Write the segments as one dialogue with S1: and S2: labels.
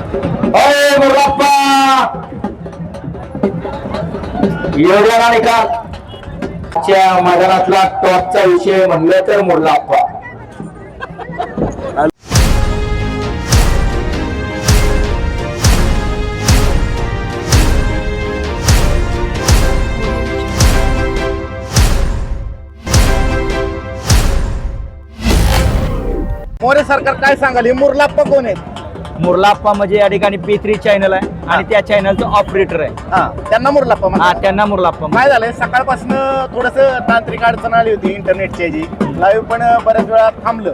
S1: अरे मुरलाप्पा एवढ्या निकाल मैदानातला टॉपचा विषय म्हणलं तर मुरलाप्पा.
S2: मोरे सरकार काय सांगाल, हे मुरलाप्पा कोण आहेत?
S3: मुरलाप्पा म्हणजे या ठिकाणी P3 चॅनल आहे आणि त्या चॅनलचं ऑपरेटर आहे.
S2: हा, त्यांना मुरलाप्पा
S3: हा,
S2: म्हणतात.
S3: त्यांना मुरलाप्पा
S2: काय झालंय, सकाळपासून थोडस तांत्रिक अडचण आली होती इंटरनेटची जी लाईव्ह पण बऱ्याच वेळा थांबलं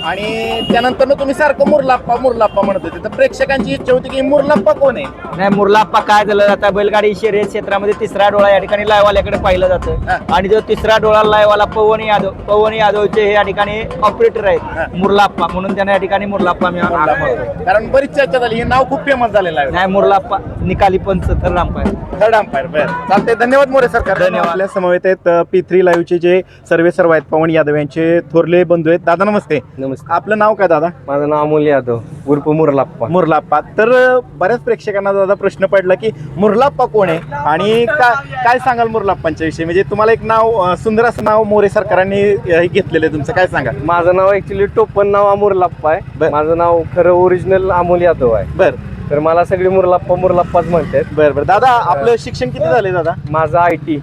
S2: आणि त्यानंतर तुम्ही सारखं मुरलाप्पा मुरलाप्पा म्हणत होते, तर प्रेक्षकांची इच्छा होती की मुरलाप्पा कोण आहे?
S3: नाही, मुरलाप्पा काय झालं, आता बैलगाडी शर्यत क्षेत्रामध्ये तिसरा डोळा या ठिकाणी लायवाल्याकडे पाहिलं जातं आणि जो तिसरा डोळा लायवाला पवन यादवचे हे या ठिकाणी ऑपरेटर आहेत मुरलाप्पा, म्हणून त्यांना या ठिकाणी मुरलाप्पा
S2: कारण बरीच चर्चा झाली, हे नाव खूप फेमस झालेलं आहे.
S3: नाही, मुरलाप्पा निकाली पंच थर्ड अंपायर.
S2: Third umpire. बरं, चालतंय. धन्यवाद मोरे सरकार.
S3: धन्यवाद.
S2: आपल्या समवेत आहेत P3 लाईव्हचे जे सर्व आहेत पवन यादव यांचे थोरले बंधू आहेत. दादा नमस्ते.
S3: नमस्कार.
S2: आपलं नाव काय दादा?
S3: माझं नाव अमोल यादव उर्फ मुरलाप्पा.
S2: मुरलाप्पा. तर बऱ्याच प्रेक्षकांना दादा प्रश्न पडला की मुरलाप्पा कोण आहे आणि काय सांगाल मुरलाप्पांच्या विषयी? म्हणजे तुम्हाला एक नाव, सुंदर असं नाव मोरे सरकारांनी घेतलेलं आहे तुमचं, काय सांगाल?
S3: माझं नाव ऍक्च्युली टोपण नाव मुरलाप्पा आहे. माझं नाव खरं ओरिजिनल अमोल यादव आहे.
S2: बरं,
S3: तर मला सगळी मुरलाप्पाच म्हणतात.
S2: बरं. दादा, आपलं शिक्षण किती झाले दादा?
S3: माझं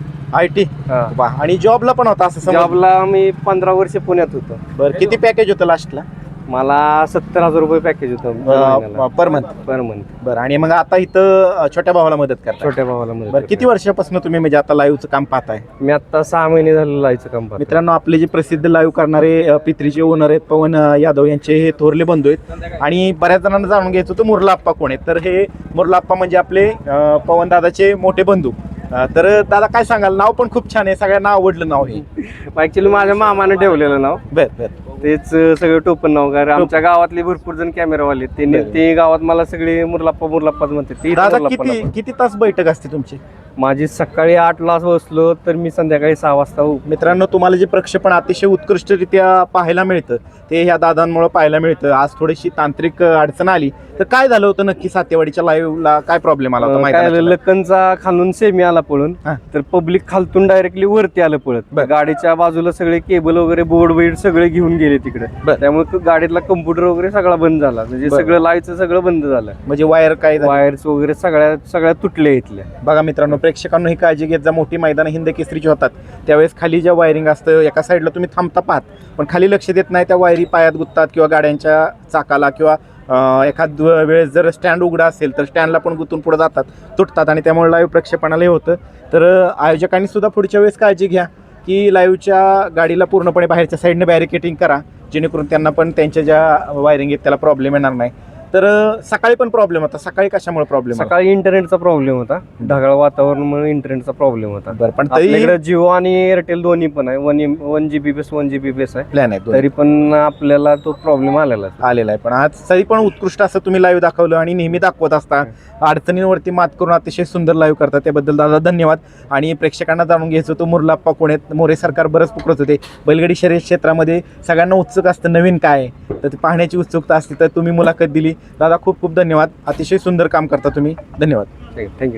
S3: IT.
S2: वा. आणि जॉबला पण होता असं समज?
S3: जॉबला मी 15 वर्ष पुण्यात होतो.
S2: बरं, किती पॅकेज होतं लास्टला?
S3: मला 70,000 रुपये पॅकेज होतं
S2: पर मंथ. बरं, आणि मग आता इथं छोट्या भावाला मदत करता?
S3: छोट्या भावाला
S2: बरं, किती वर्षापासून तुम्ही म्हणजे आता लाईव्हचं काम पाहताय?
S3: मी आता 6 महिने झालं लाईव्हचं काम पाहतो.
S2: मित्रांनो, आपले जे प्रसिद्ध लाईव्ह करणारे P3चे ओनर आहेत पवन यादव यांचे हे थोरले बंधू आहेत आणि बऱ्याच जणांना जाणून घ्यायचं होतं मुरलाप्पा कोण आहेत. तर हे मुरलाप्पा म्हणजे आपले पवन दादाचे मोठे बंधू. तर दादा काय सांगाल, नाव पण खूप छान आहे, सगळ्यांना आवडलं नाव हे.
S3: ऍक्च्युली माझ्या मामाने ठेवलेलं नाव.
S2: बरं.
S3: तेच सगळं टोपन नाव. कारण आमच्या गावातले भरपूर जण कॅमेरावाले ते गावात मला सगळे मुरलाप्पाच म्हणते.
S2: दादा, किती तास बैठक असते तुमची?
S3: माझी सकाळी 8ला बसलो तर मी संध्याकाळी 6 वाजता.
S2: मित्रांनो, तुम्हाला जे प्रक्षेपण अतिशय उत्कृष्टरित्या पाहायला मिळतं ते ह्या दादांमुळे पाहायला मिळतं. आज थोडीशी तांत्रिक अडचण आली, तर काय झालं होतं नक्की? सातेवाडीच्या लाईव्हला काय प्रॉब्लेम आला होता?
S3: काय लखनचा खालून सेमी आला पळून, तर पब्लिक खालतून डायरेक्टली वरती आलं पळत. गाडीच्या बाजूला सगळे केबल वगैरे बोर्ड वेड सगळे घेऊन गेले तिकडे. त्यामुळे गाडीतला कम्प्युटर वगैरे सगळा बंद झाला. म्हणजे सगळं लाईव्हचं सगळं बंद झालं.
S2: म्हणजे वायर्स
S3: वगैरे सगळ्या तुटल्या इथल्या.
S2: बघा मित्रांनो, प्रेक्षकांना ही काळजी घेत जा. मोठी मैदान हिंद केसरीची होतात त्यावेळेस खाली ज्या वायरिंग असतं, एका साईडला तुम्ही थांबता पाहत पण खाली लक्ष देत नाही, त्या वायरी पायात गुंततात किंवा गाड्यांच्या चाकाला किंवा एखाद वेळेस जर स्टँड उघडा असेल तर स्टँडला पण गुंतून पुढे जातात, तुटतात आणि त्यामुळे लाईव्ह प्रक्षेपणाला हे होतं. तर आयोजकांनी सुद्धा पुढच्या वेळेस काळजी घ्या की लाईव्हच्या गाडीला पूर्णपणे बाहेरच्या साईडने बॅरिकेटिंग करा, जेणेकरून त्यांना पण त्यांच्या ज्या वायरिंग आहेत त्याला प्रॉब्लेम येणार नाही. तर सकाळी पण प्रॉब्लेम होता. सकाळी कशामुळे प्रॉब्लेम?
S3: सकाळी इंटरनेटचा प्रॉब्लेम होता. ढगाळ वातावरणामुळे इंटरनेटचा प्रॉब्लेम होता.
S2: बरं, पण
S3: आपल्याकडे जिओ आणि एअरटेल दोन्ही पण आहे. 1 GB बेस आहे,
S2: प्लॅन आहे,
S3: तरी पण आपल्याला तो प्रॉब्लेम आलेला
S2: आहे. पण आज तरी पण उत्कृष्ट असं तुम्ही लाईव्ह दाखवलं आणि नेहमी दाखवत असता. अडचणींवरती मात करून अतिशय सुंदर लाईव्ह करता, त्याबद्दल दादा धन्यवाद. आणि प्रेक्षकांना जाणून घ्यायचं होतं मुरलाप्पा कोण आहेत. मोरे सरकार बरंच पुकरत होते. बैलगाडी शर्यत क्षेत्रामध्ये सगळ्यांना उत्सुक असतं नवीन काय आहे, तर ते पाहण्याची उत्सुकता असते. तर तुम्ही मुलाखत दिली दादा, खूप खूप धन्यवाद. अतिशय सुंदर काम करता तुम्ही. धन्यवाद.
S3: थँक्यू.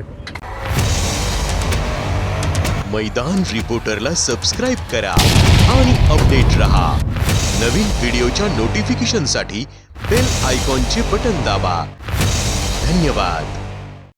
S4: मैदान रिपोर्टरला सबस्क्राइब करा आणि अपडेट रहा. नवीन व्हिडिओच्या नोटिफिकेशनसाठी बेल आयकॉनचे बटन दाबा. धन्यवाद.